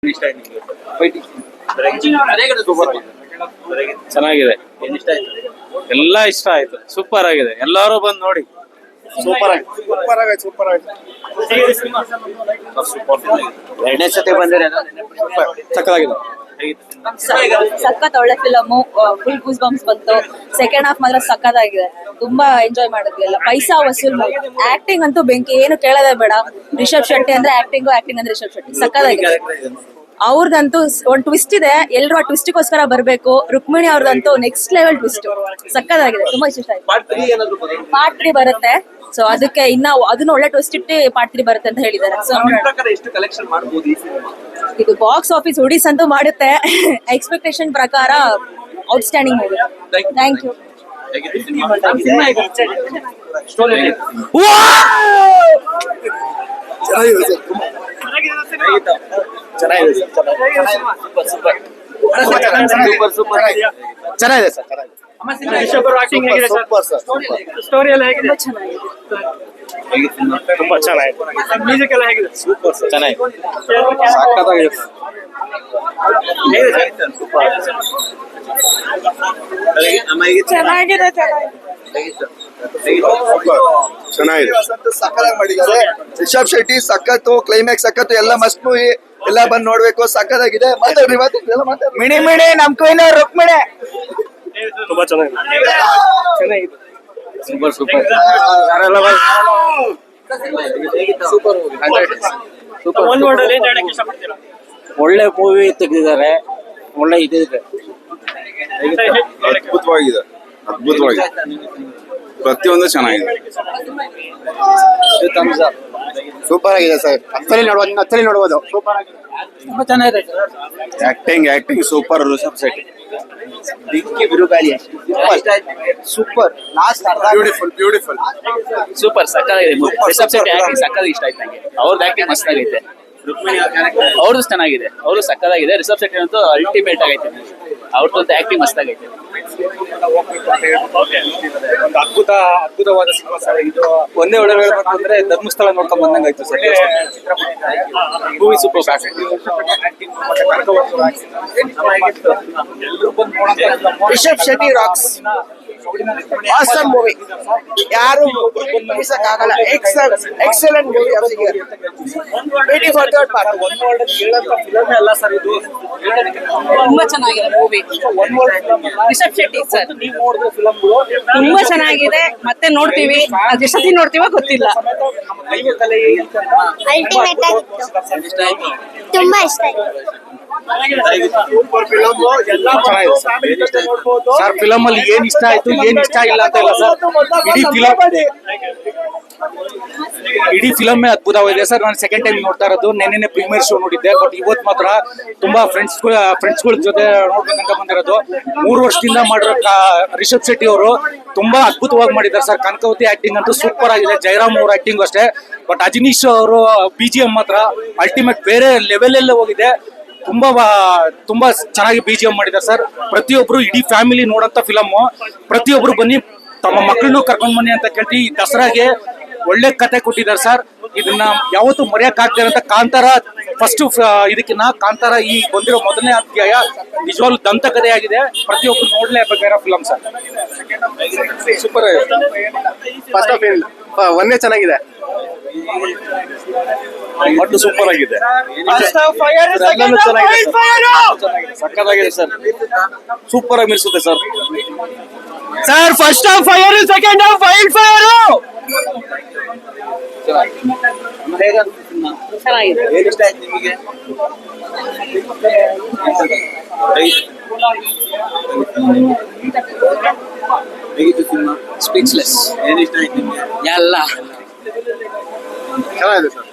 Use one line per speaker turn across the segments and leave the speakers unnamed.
ಇಷ್ಟ ಆಯ್ತು ನಿಮಗೆ?
ಚೆನ್ನಾಗಿದೆ,
ಇಷ್ಟ ಆಯ್ತು?
ಎಲ್ಲ ಇಷ್ಟ ಆಯ್ತು, ಸೂಪರ್ ಆಗಿದೆ, ಎಲ್ಲರೂ ಬಂದು ನೋಡಿ.
ಸೂಪರ್ ಆಗಿ ಸೂಪರ್ ಆಗಿ
ಎರಡನೇ ಸತಿ ಬಂದಿರ
ಸಕ್ಕತ್ತಾಗಿದೆ.
ಸಖತ್ ಒಳ್ಳೆ ಫಿಲಮ್, ಫುಲ್ ಗೂಸ್ ಬಂಪ್ಸ್ ಬಂತು. ಸೆಕೆಂಡ್ ಹಾಫ್ ಮಾತ್ರ ಸಖತ್ತಾಗಿದೆ, ತುಂಬಾ ಎಂಜಾಯ್ ಮಾಡಿದ್ವಿ ಎಲ್ಲ. ಪೈಸಾ ವಸೂಲ್. ಆಕ್ಟಿಂಗ್ ಅಂತೂ ಬೆಂಕಿ, ಏನು ಕೇಳೋದೇ ಬೇಡ. ರಿಷಬ್ ಶೆಟ್ಟಿ ಅಂದ್ರೆ ಆಕ್ಟಿಂಗ್ ಅಂದ್ರೆ ರಿಷಬ್ ಶೆಟ್ಟಿ ಸಖತ್ತಾಗಿದೆ. ಅವ್ರದಂತೂ ಒಂದ್ ಟ್ವಿಸ್ಟ್ ಇದೆ, ಎಲ್ರು ಆ ಟ್ವಿಸ್ಟ್ಗೋಸ್ಕರ ಬರ್ಬೇಕು. ರುಕ್ಮಿಣಿ ಅವ್ರದಂತೂ ನೆಕ್ಸ್ಟ್ ಲೆವೆಲ್ ಟ್ವಿಸ್ಟ್, ಸಖತ್ತಾಗಿದೆ, ತುಂಬಾ ಇಷ್ಟ ಆಯ್ತು. ಪಾರ್ಟ್ 3 ಬರುತ್ತೆ, ಸೊ ಅದಕ್ಕೆ ಇನ್ನ ಅದನ್ನ ಒಳ್ಳೆ ಟ್ವಿಸ್ಟ್ ಇಟ್ಟು ಪಾರ್ಟ್ 3 ಬರುತ್ತೆ ಅಂತ ಹೇಳಿದ್ದಾರೆ. ಸೊ
ಎಷ್ಟು ಕಲೆಕ್ಷನ್ ಮಾಡಬಹುದು ಈ ಸಿನಿಮಾ?
ಇದು ಬಾಕ್ಸ್ ಆಫೀಸ್ ಹೊಡಿಸ್ ಅಂತೂ ಮಾಡುತ್ತೆ. ಎಕ್ಸ್ಪೆಕ್ಟೇಷನ್ ಪ್ರಕಾರ ಔಟ್ಸ್ಟ್ಯಾಂಡಿಂಗ್ ಮೂವಿ. Thank you.
ಚೆನ್ನಾಗಿದೆ ಸರ್,
ಸ್ಟೋರಿ ಎಲ್ಲ ಹೇಗಿದೆ?
ತುಂಬಾ ಚೆನ್ನಾಗಿದೆ.
ಮ್ಯೂಸಿಕ್ ಎಲ್ಲ ಹೇಗಿದೆ?
ಸೂಪರ್ ಸರ್, ಚೆನ್ನಾಗಿದೆ, ಸಕ್ಕತ್ತಾಗಿದೆ.
ಚೆನ್ನಾಗಿದೆ.
ಚೆನ್ನಾಗಿದೆ, ಸಕ್ಕತ್ತಾಗಿ ಮಾಡಿದ್ದಾರೆ. ರಿಷಬ್ ಶೆಟ್ಟಿ ಸಖತ್ತು, ಕ್ಲೈಮ್ಯಾಕ್ಸ್ ಸಖತ್ತು, ಎಲ್ಲ ಮಸ್ತ್ ಮೂವಿ, ಎಲ್ಲ ಬಂದ್ ನೋಡ್ಬೇಕು. ಸಕ್ಕತ್ತಾಗಿದೆ. ಮಾತಾಡ್ರಿ ಮಿಣಿ ಮಿಣಿ ನಮ್ ಕೊಯ್ನ ರುಕ್ಮಿಣಿ ತುಂಬಾ ಚೆನ್ನಾಗಿದೆ.
ಸೂಪರ್ ಸೂಪರ್
ಒಂದ್ ವರ್ಡ್ ಅಲ್ಲಿ ಏನ್ ಹೇಳಕ್ ಇಷ್ಟಪಡ್ತೀರಾ?
ಒಳ್ಳೆ ಮೂವಿ ತೆಗೆದಿದ್ದಾರೆ, ಒಳ್ಳೆ ಇದಿದೆ.
ಅದ್ಭುತವಾಗಿದೆ, ಅದ್ಭುತವಾಗಿದೆ, ಪ್ರತಿಯೊಂದು ಚೆನ್ನಾಗಿದೆ. ಸೂಪರ್ ಆಗಿದೆ ಸರ್, ಹತ್ತಲ್ಲಿ ನೋಡ್ಬೋದು. ಸೂಪರ್ ಆಗಿದೆ,
ತುಂಬಾ ಚೆನ್ನಾಗಿದೆ.
Acting super. Rishab Shetty super, beautiful.
Super ಸಕ್ಕತ್ತಾಗಿದೆ. ರಿಷಬ್ ಶೆಟ್ಟಿ ಆಕ್ಟಿಂಗ್ ಸಕ್ಕತ್ತಾಗಿ ಇಷ್ಟ ಆಯ್ತು ನಂಗೆ. ಅವ್ರದ್ದು ಆಕ್ಟಿಂಗ್ ಮಸ್ತ್ ಆಗೈತೆ, ಅವ್ರದ್ದು ಚೆನ್ನಾಗಿದೆ, ಅವರು ಸಕ್ಕತ್ತಾಗಿದೆ. ರಿಷಬ್ ಶೆಟ್ಟಿ ಅಂತೂ ಅಲ್ಟಿಮೇಟ್ ಆಗೈತೆ, ಅವ್ರದ್ದು ಆಕ್ಟಿಂಗ್ ಮಸ್ತ್ ಆಗೈತೆ.
ಒಂದು ಅದ್ಭುತವಾದ ಸಿನಿಮಾ ಸರ್ ಇದು. ಒಂದೇ ಒಳ್ಳೆ ಹೇಳ್ಬೇಕು ಅಂದ್ರೆ ಧರ್ಮಸ್ಥಳ ನೋಡ್ಕೊಂಡ್ ಬಂದಂಗ ಆಯ್ತು sir. Movie super.
Rishab Shetty rocks, awesome movie, ಯಾರು ಆಗಲ್ಲ. Excellent movie. Waiting for third part.
ಅಲ್ಲ ಸರ್ ಇದು
ತುಂಬಾ ಚೆನ್ನಾಗಿದೆ ಮೂವಿ. ರಿಷಬ್ ಶೆಟ್ಟಿ ಸರ್ ತುಂಬಾ ಚೆನ್ನಾಗಿದೆ, ಮತ್ತೆ ನೋಡ್ತೀವಿ. ಅದ್ ಎಷ್ಟೊತ್ತಿ ನೋಡ್ತೀವೋ ಗೊತ್ತಿಲ್ಲ.
ಅಲ್ಟಿಮೇಟ್ ಆಗಿತ್ತು, ತುಂಬಾ ಇಷ್ಟ ಆಯ್ತು.
ಸರ್ ಫಿಲಮ್ ಅಲ್ಲಿ ಏನ್ ಇಷ್ಟ ಆಯ್ತು, ಏನ್ ಇಷ್ಟ ಇಲ್ಲ ಅಂತ ಇಲ್ಲ ಸರ್. ಇಡೀ ಫಿಲಮ್ ಅದ್ಭುತವಾಗಿದೆ ಸರ್. ನಾನು ಸೆಕೆಂಡ್ ಟೈಮ್ ನೋಡ್ತಾ ಇರೋದು. ನೆನ್ನೆ ಪ್ರೀಮಿಯರ್ ಶೋ ನೋಡಿದ್ದೆ, ಬಟ್ ಇವತ್ತು ಮಾತ್ರ ತುಂಬಾ ಫ್ರೆಂಡ್ಸ್ಗಳ ಜೊತೆ ನೋಡ್ಬೇಕಂತ ಬಂದಿರೋದು. 3 ವರ್ಷದಿಂದ ಮಾಡಿರೋ ರಿಷಬ್ ಶೆಟ್ಟಿ ಅವರು ತುಂಬಾ ಅದ್ಭುತವಾಗಿ ಮಾಡಿದ್ದಾರೆ ಸರ್. ಕನಕವತಿ ಆಕ್ಟಿಂಗ್ ಅಂತೂ ಸೂಪರ್ ಆಗಿದೆ, ಜಯರಾಮ್ ಅವ್ರ ಆಕ್ಟಿಂಗ್ ಅಷ್ಟೇ. ಬಟ್ ಅಜನೀಶ್ ಅವರು BGM ಮಾತ್ರ ಅಲ್ಟಿಮೇಟ್, ಬೇರೆ ಲೆವೆಲ್ ಎಲ್ಲ ಹೋಗಿದೆ. ತುಂಬಾ ಚೆನ್ನಾಗಿ BGM ಮಾಡಿದ್ದಾರೆ ಸರ್. ಪ್ರತಿಯೊಬ್ರು ಇಡೀ ಫ್ಯಾಮಿಲಿ ನೋಡಂತ ಫಿಲಮ್. ಪ್ರತಿಯೊಬ್ರು ಬನ್ನಿ, ತಮ್ಮ ಮಕ್ಕಳನ್ನು ಕರ್ಕೊಂಡ್ ಬನ್ನಿ ಅಂತ ಕೇಳ್ತೀವಿ. ಈ ದಸರಾಗೆ ಒಳ್ಳೆ ಕತೆ ಕೊಟ್ಟಿದ್ದಾರೆ ಸರ್. ಇದನ್ನ ಯಾವತ್ತೂ ಮರೆಯಕ್ ಆಗ್ತಾರೆ ಅಂತ. ಕಾಂತಾರ ಫಸ್ಟ್ ಇದಕ್ಕಿನ್ನ ಕಾಂತಾರ ಈ ಬಂದಿರೋ ಮೊದಲನೇ ಅಧ್ಯಾಯ ನಿಜವಾಗ್ಲೂ ದಂತಕಥೆ ಆಗಿದೆ. ಪ್ರತಿಯೊಬ್ರು ನೋಡ್ಲೇಬೇಕಾಗಿರೋ ಫಿಲಮ್ ಸರ್.
ಸೂಪರ್ ಆಗಿದೆ. ಫಸ್ಟ್ ಆಫ್ ಒಂದೇ ಚೆನ್ನಾಗಿದೆ, ಒಟ್ಟು ಸೂಪರ್ ಆಗಿದೆ.
ಸಕ್ಕತ್ತಾಗಿದೆ ಸರ್,
ಸೂಪರ್ ಆಗಿ ಮಿರ್ಸುತ್ತೆ sir.
Sir first half fire, second half wild fire.
ಚೆನ್ನಾಗಿದೆ.
ಏನ್ ಇಷ್ಟ ಆಯ್ತು ನಿಮಗೆ? ಹೇಗಿತ್ತು ಸಿನಿಮಾ?
ಸ್ಪೀಚ್ಲೆಸ್.
ಏನ್ ಇಷ್ಟ ಆಯ್ತು ನಿಮಗೆ?
ಎಲ್ಲ
ಚೆನ್ನಾಗಿದೆ ಸರ್.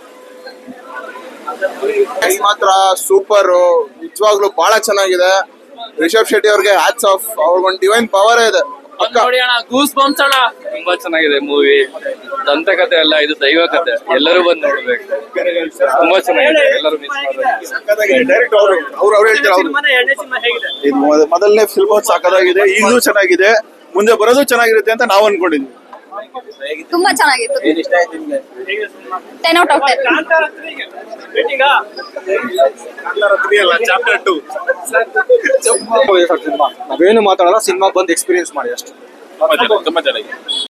ಮಾತ್ರ ಸೂಪರ್, ನಿಜವಾಗ್ಲೂ ಬಹಳ ಚೆನ್ನಾಗಿದೆ. ರಿಷಬ್ ಶೆಟ್ಟಿ ಅವ್ರಿಗೆ ಹ್ಯಾಟ್ಸ್ ಆಫ್. ಅವ್ರಿಗೊಂದು ಡಿವೈನ್ ಪವರ್ ಇದೆ.
ಗೂಸ್ ಬಂಪ್ಸ್ ಅಣ್ಣ, ತುಂಬಾ ಚೆನ್ನಾಗಿದೆ ಮೂವಿ. ದಂತಕಥೆ ಅಲ್ಲ, ಇದು ದೈವ ಕಥೆ. ಎಲ್ಲರೂ ಬಂದು ನೋಡ್ಬೇಕು, ತುಂಬಾ ಚೆನ್ನಾಗಿದೆ. ಎಲ್ಲರೂ ಮಿಸ್ ಮಾಡ್ಬೇಕು.
ಡೈರೆಕ್ಟ್ ಅವ್ರು ಹೇಳ್ತಾರೆ. ಇದು ಮೊದಲನೇ ಫಿಲ್ಮ್ ಸಾಕಾಗಿದೆ, ಈಗಲೂ ಚೆನ್ನಾಗಿದೆ, ಮುಂದೆ ಬರೋದು ಚೆನ್ನಾಗಿರುತ್ತೆ ಅಂತ ನಾವು ಅನ್ಕೊಂಡಿದ್ವಿ.
ತುಂಬಾ ಚೆನ್ನಾಗಿತ್ತು
ಏನ್ ಇಷ್ಟ ಆಯ್ತು ನಿಮ್ಗೆ
10 ಔಟ್ ಆಫ್ 10
ಕಾಂತಾರ 3 ಗೆ ರೇಟಿಂಗಾ
ಸಿನಿಮಾ ನಾವೇನು ಮಾತಾಡಲ್ಲ ಸಿನಿಮಾ ಬಂದು ಎಕ್ಸ್ಪೀರಿಯನ್ಸ್ ಮಾಡಿ ಅಷ್ಟೇ
ತುಂಬಾ ಚೆನ್ನಾಗಿದೆ